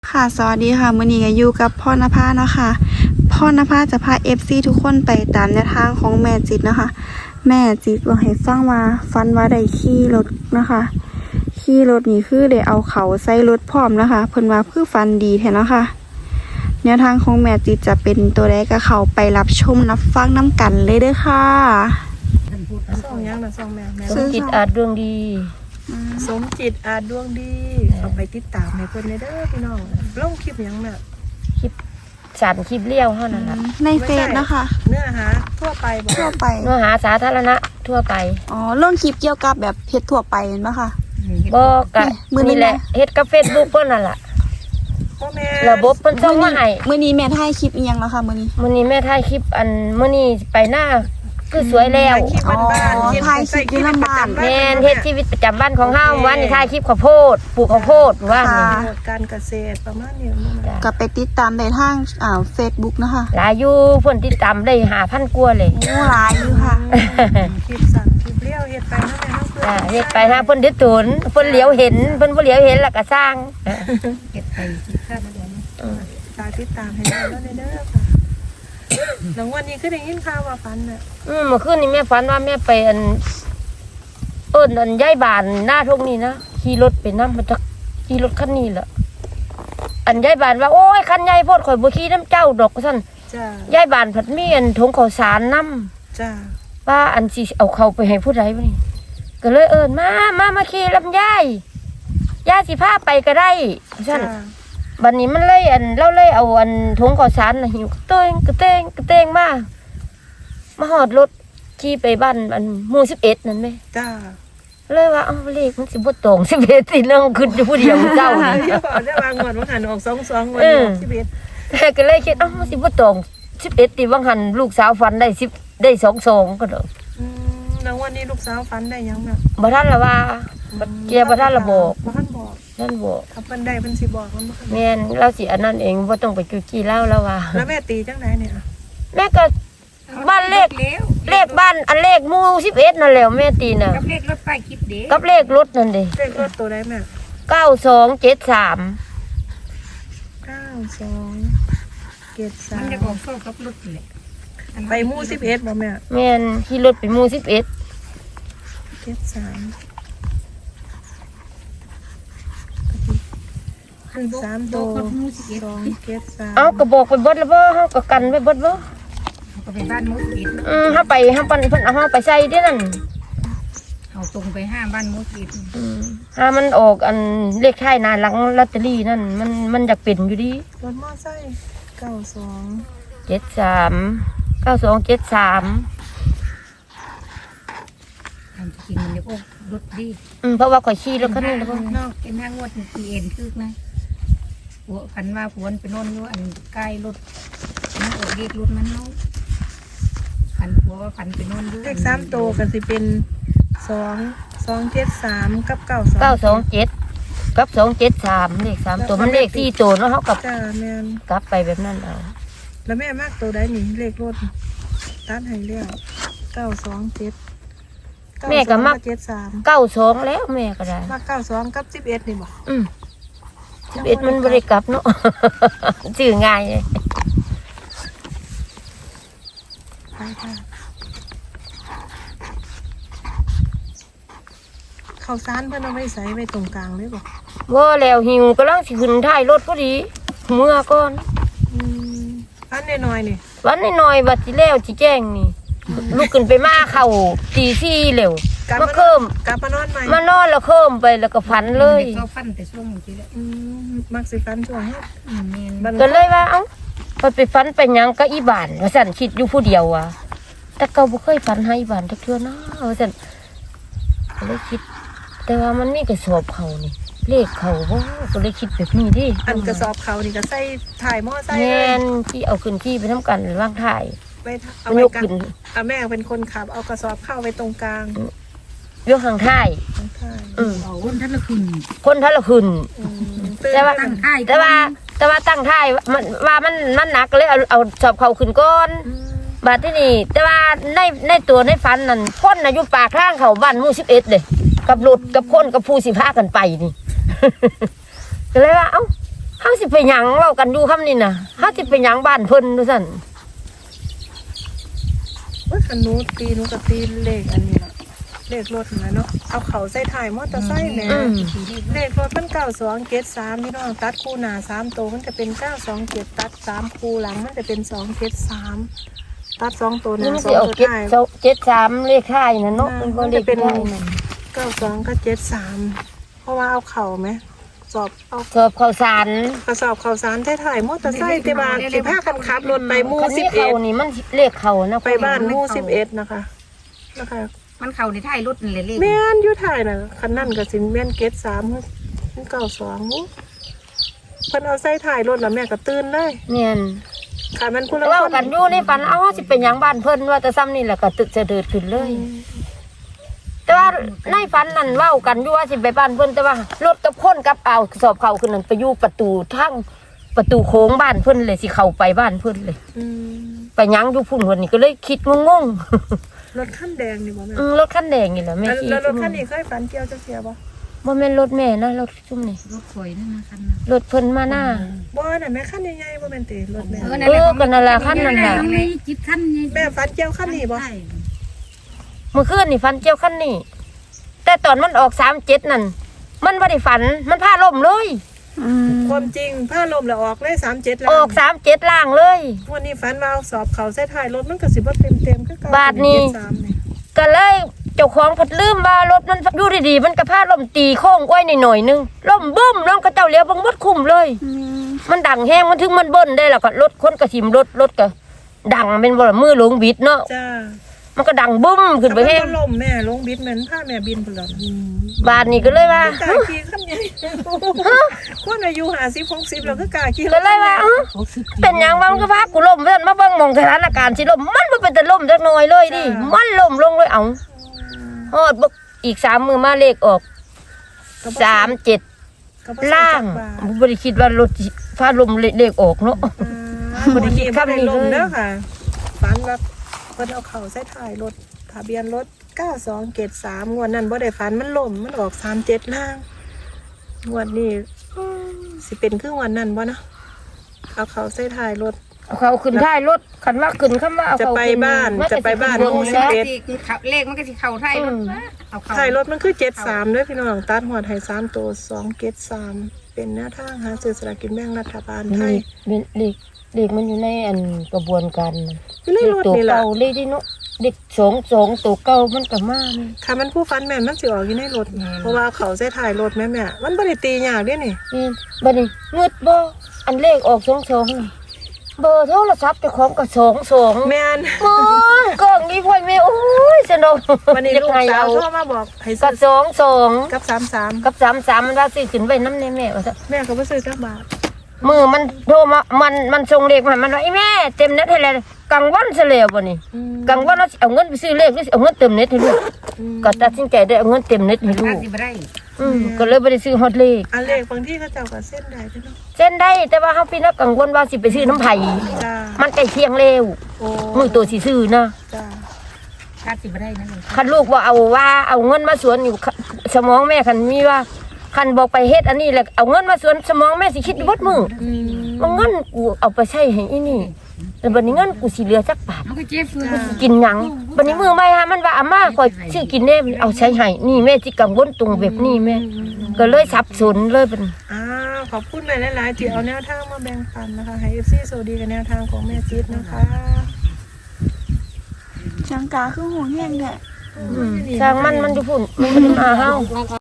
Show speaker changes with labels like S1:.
S1: ค่ะสวัสดีค่ะมื้อนี้ก็อยู่กับพ่อนภาเนาะค่ะพ่อนภาจะพา FC ทุกคนไปตามแนวทางของแม่จิตนะคะแม่จิตบอกให้ฟังว่าฟันว่าได้ขี่รถนะคะขี่รถนี่คือได้เอาเขาใส่รถพร้อมนะคะเพิ่นว่าคือฟันดีแท้เนาะค่ะแนวทางของแม่จิตจะเป็นตัวใดก็เข้าไปรับชมรับฟังน้ำกันเลยเด้อค่ะ
S2: ส่งยังนะส่งแม่
S3: สมจิตอาจดวงดี
S2: สมจิตอาจดวงดีเอาไปติดตามให้เพิ่นเด้อพี่น้องลงคลิปยังแม่
S3: คลิปสันคลิปเลี้ยวเท่านั้นแหละ
S1: ในเฟซนะคะ
S2: เนื้อหาทั่วไปบ่
S1: ทั่วไป
S3: เนื้อหาสาธารณะทั่วไป
S1: อ๋อลงคลิปเกี่ยวกับแบบเพจทั่วไปเห็นปะคะ
S3: บอกกะ
S1: มื้อนี้
S3: นี่แหละ
S1: นะ
S3: เฮ็ดกับเฟซบุ๊กเพิ่นนั่นล่ะ
S2: พ่อแม่
S3: ระบบเพิ่นส่งมาให้
S1: มื้อนี้แม่ถ่ายคลิปอีหยังแล้วค่ะมื้อนี้
S3: มื้อนี้แม่ถ่ายคลิปมื้อนี้ไปหน้าคือสวยแล้ว
S2: คลิปบ้านๆ
S1: ถ่ายคลิปอยู่ลำบ้าน
S3: แม่นเฮ็ดชีวิตประจำวันของเฮาวันนี้ถ่ายคลิปข้าวโพดปลูกข้าวโพดว่านี่
S2: การเกษตรประมาณนี้
S3: จ้ะ
S1: ก็ไปติดตามได้ทางFacebook นะคะ
S3: หลายอยู่เพิ่นติดตามได้5,000กว่าเลย
S1: โอ้หลายอยู่ค่ะ
S2: คลิปสั่นคลิปเลี้ยวเฮ็ดไปเนาะแม่เนาะ
S3: จ้ะเฮ็ดไปหาเพิ่นเดือดตุนเพิ่นเหลียวเห็นเพิ่นบ่เหลียวเห็นแล้วก็สร้าง
S2: เฮ็ดไปคิดค่าเดี๋ยวนี้ตาติดตามให้ได้แล้วเด้อค่ะหลังวันนี้คือได้ยินข่าวว่าฝันน่ะ
S3: เมื่อคืนนี้แม่ฝันว่าแม่ไปย้ายบ้านหน้าทุ่งนี้นะขี่รถไปนำมาจากขี่รถคันนี้แหละย้ายบ้านว่าโอ้ยคันใหญ่โพดข่อยบ่ขี่น้ำเจ้าดอกซั่น
S2: จ้า
S3: ย้ายบ้านผัดมีถุงข้าวสารนำ
S2: จ้า
S3: ว่าสิเอาเข้าไปให้ผู้ใดบ่นี่ก็เลยมาขี่ลำไยย่าสิพาไปก็ได้ซั่นบัดนี้มันเลยเราเลยเอาถุงข้าวสารน่ะหิวกระเตงมาฮอดรถขี่ไปบ้านหมู่11นั่นแม่
S2: จ้า
S3: เลยว่าเอาเลขมันสิบ่ตรง11สิน้องขึ้นอยู่ผู้เดียวเจ้านี่
S2: เดี๋ยวก่อนได้วางงวดว่าหันออก22วันนี้ออก11
S3: แต่ก็เลยคิดมันสิบ่ตรง11ติว่างหันลูกสาวฟันได้10ได้22ก็ดอก
S2: แล้ววันนี้ลูกสาวฝันได้ยังแบบ
S3: บ่ทันละว่าเกียร์บ่ทันละบอก
S2: บ่ทันบอก
S3: นั่นบอก
S2: ถ้าเพิ่นได้เพิ่นสิบอกมันบ่ทัน
S3: แม่นเราสิอันนั้นเองบ่ต้องไปจุจี้เล่าแล้วว่า
S2: แล้วแม่ตีจังไหนเนี่ย
S3: แม่ก็บ้านเลขบ้านเลขหมู่11นั่นแหละแม่ตีน่ะ
S4: กับเลขรถป้ายคลิปเด้
S3: กับเลขรถนั่นเด้
S2: เลขรถตัวใดแม่
S3: 9273
S2: 9273
S4: มันจะออกโซ่กับรถนี่แหละ
S2: ไปหมู่11บ่แม่
S3: แม่นขี่รถไปหมู่11
S2: 73
S4: อันบอก
S2: 3
S4: บ
S2: ตั
S4: อก
S2: ว
S4: กับมูสิเอ็ด
S2: 273
S3: เอาก็บอกไปเบิดแล้วบ่เฮาก็กันไปเบิดบ่
S4: ก็ไปบ้านมูสิเอ็ด
S3: เฮาปันเพิ่นเอาเฮาไปใส่เด้นั่น
S4: เอาตรงไปห้าบ้านมูสิเอ็ด
S3: ถ้ามันออกเลขท้ายหน้าหลังลอตเตอรี่นั่นมันอยากเป็นอยู่ดี
S2: รถมอไซค์92
S3: 73 9273
S4: ทำจริงมันจะโอ้รถดี
S3: เพราะว่าข่อยขี่รถคันนี้แล้วก็
S4: นอกเป็นห้างวดปีเอ็นคือนะผัวพันว่าผัวไปนอนอยู่ใกล้รถนั่งออกเรียกรถมันเนาะพันผัวว่าพันไปนอนอยู่
S2: เลข3ตัวก็สิเป็น273กับ92
S3: 927กับ273เลข3ตัวมันเลข4ตัวเนาะเฮากับ
S2: จ้าแม่น
S3: กลับไปแบบนั้นเอา
S2: แล้วแม่มากตัวใดนี่เลขรถตัดให้แล้ว927
S3: แม่ก็มัก
S2: 73
S3: 92แล้วแม่ก็ได้
S2: มา92กับ11นี่บ่
S3: 11มันบ่ได้กลับเนาะ ชื่อง่ายเลย
S2: ไปค่ะข้าวสารเพิ่นเอาไว้ใส่ไว้ตรงกลางเลยบ่
S3: บ่แล้วหิวกำลังสิขึ้นท้ายรถพอดีเมื่อก่อน
S2: อันน้อยๆนี่
S3: วันน้อยๆบัดสิแล้วสิแจ้งนี่ลูกขึ้นไปมาเข้าตี4เร็วมาเคิ่ม
S2: กลับมานอนใหม่
S3: มานอนแล้วเคิ่มไปแล้วก็ฝันเลย
S4: เขาฟันแต่ช่วงทีละ
S2: มักสิฟันช่วงเฮ็ด
S4: เมน
S2: บัด
S3: ก็เลยว่าเอ้าไปฝันไปหยังก็อีบ้านว่าซั่นคิดอยู่ผู้เดียวอ่ะแต่เก่าบ่เคยฝันให้อีบ้านจักเทื่อนะว่าซั่นก็เลยคิด แต่ว่ามันมีกระสอบเขานี่เลขเขาบ่ก็เลยคิดแบบนี้ดิ
S2: อันกระสอบเขานี่ก็ใส่ถ่ายมอไซค์
S3: แม่
S2: เลย
S3: นที่เอาขึ้นที่ไปทำกันวางถ่าย
S2: ไปเอา
S3: มัน
S2: ไว้
S3: ยก
S2: กลาง
S3: ขึ้น
S2: แม่เป็นคนขับเอากระสอบเข้าไว้ตรงกลาง
S3: ยกข้างถ่าย
S2: ข้าง
S4: เอาคนท่านละคุณ
S3: คนทะละขึ้น
S2: ๆ
S3: แต่ว่า
S4: ตั้งค่าย
S3: แต่ว่าตั้งท่ายมันหนักเลยเอาสอบเขาขึ้นก้อนบาดที่นี่แต่ว่าในตัวในฟันนั่นคนน่ะอยู่ปากทางเขาบ้านหมู่11เลยกับรถกับคนกับผู้สิพากันไปนี่ ก็เลยว่าเอ้าเฮาสิไปหยังเว้ากันอยู่คำนี้น่ะเฮาสิไปหยังบ้านเพิ่นดูซั่น
S2: ว่าคันหนูตีหนูก็ตีเลขอันนี้ล่ะเลขรถนะเนาะเอาเขาใส่ถ่ายมอเตอร์ไซค์แหม่เลขรถมัน9273พี่น้องตัดคู่หน้า3ตัวมันจะเป็น927ตัด3คู่หลังมันจะเป็น273ตัด2ตัวห
S3: นี่
S2: น้า
S3: มัน
S2: 2
S3: สิออก
S2: ตัวท้าย
S3: 73เลขท้ายน่ะเนาะมันบ่เลขท้ายมัน
S2: 92กับ73เพราะว่าเอาเข่าไหมสอบเอา
S3: สอบข้าวสาร
S2: กระสอบข่าวสารถ่ายมอเตอร์ไซค์ที่บ้านสิพากันขับรถไปหมู่
S3: คันนี้เขานี่มันเลขเขานะ
S2: 11ไปบ้านหมู่11นะคะ
S4: มันเข้าในท้ายรถนั่นแหละเลข
S2: แม่นอยู่ถ่ายน่ะคันนั่นก็สิแม่นเกต3มัน92หมู่เพิ่นเอาใส่ถ่ายรถแล้วแม่ก็ตื่นเลย
S3: เนี่ย
S2: ค่ะมันผู้ละ
S3: เว้า
S2: คน
S3: กันอยู่ในฝันเอาสิเป็นหยังบ้านเพิ่นว่าแต่ซ้ำนี่แหละก็ตึกจะเดิดขึ้นเลย แต่ว่าในฝันนั่นเว้ากันอยู่ว่าสิไปบ้านเพิ่นแต่ว่ารถกับคนกับเอาสอบเขาขึ้นนั่นไปอยู่ประตูทางประตูโค้งบ้านเพิ่นเลยสิเข้าไปบ้านเพิ่นเลย
S2: อืม
S3: ไปหยังอยู่พุ่นคนนี้ก็เลยคิดงง
S2: รถคันแดงนี่บ่แม่
S3: ๆรถคันแดงนี่แหละแม่ขี่
S2: แล้วรถคันนี้เคยฝันเกี่ยวจักเที่ยบ่
S3: บ่แม่นรถแม่นะรถซุ่มนี่
S4: รถข่อยนั่นนะคัน
S3: รถเพิ่นมาหน้า
S2: บ่น่ะแม่คันใหญ่ๆบ่แม่นติรถแม่
S3: ก็นั่นแหละคันนั่นแหละ
S4: จิบคันนี่
S2: แม่ฝันเกี่ยวคันนี้บ่
S3: เมื่อคืนนี่ฝันเกี่ยวคันนี้แต่ตอนมันออก37นั่นมันบ่ได้ฝันมันพาล่มเลย
S2: ความจริงผ้าลมแล้วออกเลย37แล้ว
S3: ออก37ล่างเลย
S2: วันนี้ฝันว่าเอาสอบเขาใส่ท้ายรถมันก็สิบ่เต็มๆคือเก่า
S3: บาทนี้
S2: 73นี่
S3: ก็เลยเจ้าของพัดลืมว่ารถมันอยู่ดีๆมันก็พาล่มตีโค้งอ้อยหน่อยๆนึงล่มบึ้มแล้วก็เจ้าเลี้ยวบังมดคุ้มเลย มันดังแห้งมันถึงมันเบิ้ลได้แล้วก็รถคนกระถิ่มรถก็ดังเป็นบ่ล่ะมือหลงบิดเนาะ
S2: จ้า
S3: มันก็ดังบึ้มขึ้นไปแห้ง
S2: ถ้ามันบ่ลมแม่ลงบิดเหมือนผ้าแม่บินพุ่นล่ะ
S3: บาทนี้ก็เลยว่า
S2: กล้าขี่คันใหญ่คนอายุ50 60แล้วก็กล้าขี่
S3: ก็เลยว่าเป็นหยังวะมันก็พากูล่มเพิ่นมาเบิ่งหมองสถานการณ์สิล่มมันบ่เป็นแต่ล่มจักหน่อยเลยดิมันล่มลงเลยเอาฮอดบ่อีก3มื้อมาเลขออก37ล่างบ่ได้คิดว่ารถสิฟ้าลมเลขออกเนาะ
S2: บ่ได้คิดคำนี้เลยเด้อค่ะฝันว่าเพิ่นเอาเข้าใส่ท้ายรถทะเบียนรถ9273งวดนั้นบ่ได้ฝันมันล่มมันออก37ล่างงวดนี้สิเป็นคืองวดนั้นบ่เนาะเอาเข้าใส่ท้ายรถ
S3: เอาเขาขึ้นท้ายรถคันว่าขึ้นคำว่าเอาเขา
S2: จะไปบ้าน
S3: มั
S2: จะไปบ้าน
S3: สิขึ้
S2: หมู่
S3: เบิ่ง
S2: สิบ
S3: แล้ว
S2: เอ็ด
S4: เลขมันก็สิเข้าท้ายรถเอาเข้า
S2: ถ่ายรถมันคือ73ด้วยพี่น้องตัดหัวไทย3ตัว273เป็นแนวทางหาซื้อสลากกินแบ่งรัฐบาลไทย
S3: เด็กมันอยู่ในอันกระบวนการ
S2: อยู่ในรถ
S3: ตัว
S2: นี่แหละ
S3: เก่าเลยดิเนาะเด็กสองตัวเก่ามันก็มานี่
S2: ค่ะมันผู้ฟันแม่นมันสิออกอยู่ในรถเพราะว่าเขาใส่ถ่ายรถแม่มันบ่ได้ตียากเด้นี่
S3: นี่บัดนี้งึดบ่อันเลขออก22นี่เบอร์โทรศัพท์เจ้าของก็22
S2: แม่น
S3: มองกล้องนี้พ่อยแม่โอ้ยสนุก
S2: วันนี้ลูกสาวโทรมาบอกให้
S3: กั
S2: ซื้
S3: บ
S2: อ
S3: 22
S2: กับ33
S3: กับ33มันว่าซื้อขึ้นไว้นำแน่แม่ว่าซะ
S2: แม่ก็บ่ซื้อจักบาท
S3: มือมันโทรมามันส่งเลขมามันว่าไอ้แม่เต็มเน็ตให้แล้วกลางวันซะแล้วบ่นี่กลางวันเราสิเอาเงินไปซื้อเลขหรือสิเอาเงินเต็มเน็ตให้ลูกก็ตัดสินใจได้เอาเงินเต็มเน็ตให้ลู
S4: ถ้าก สิบ่ได้
S3: ก็เลยบ่ได้ซื้อฮอดเลข
S2: อันเลขบางที่เขาเจ้าก็เส้นได้พี่น้อง
S3: เส้นได้แต่ว่าเฮาพี่นักกังวลว่าสิไปซื้อน้ำไผ
S2: จ้า
S3: มันใกล้เที่ยงแล้ว
S2: โอ้
S3: มือตัวสิซื้อนะ
S2: จ้า
S4: ถ้าสิบ่ได้นะเลย
S3: คันลูกว่าเอาเงินมาสวนอยู่สมองแม่คันมีว่าคันบอกไปเฮ็ดอันนี้แหละเอาเงินมาสวนสมองแม่สิคิดอยู่เบิดมื้อว่าเงินกูเอาไปใช้ให้อีนี่แล้วบัดนี้เงินกูสิเหลือจักบาท
S4: มันก็เจ็บฟื้น
S3: กินหยังบัดนี้มือใหม่ฮะมันว่าอาม่าขอยซื้อกินแน่เอาใช้ให้นี่แม่สิกังวลตรงแบบนี้แม่ก็เลยสับสนเลยเป็น
S2: ขอบคุณแม่หลายๆที่เอาแนวทางมาแบ่งปันนะคะให้ FC สวัสดีกับแนวทางของแม่จิ๊ดนะคะ
S1: จังกาคือห่วงแห้งเนี่ย
S3: ช่างมันอยู่พุ่นมันบ่ได้มาเฮา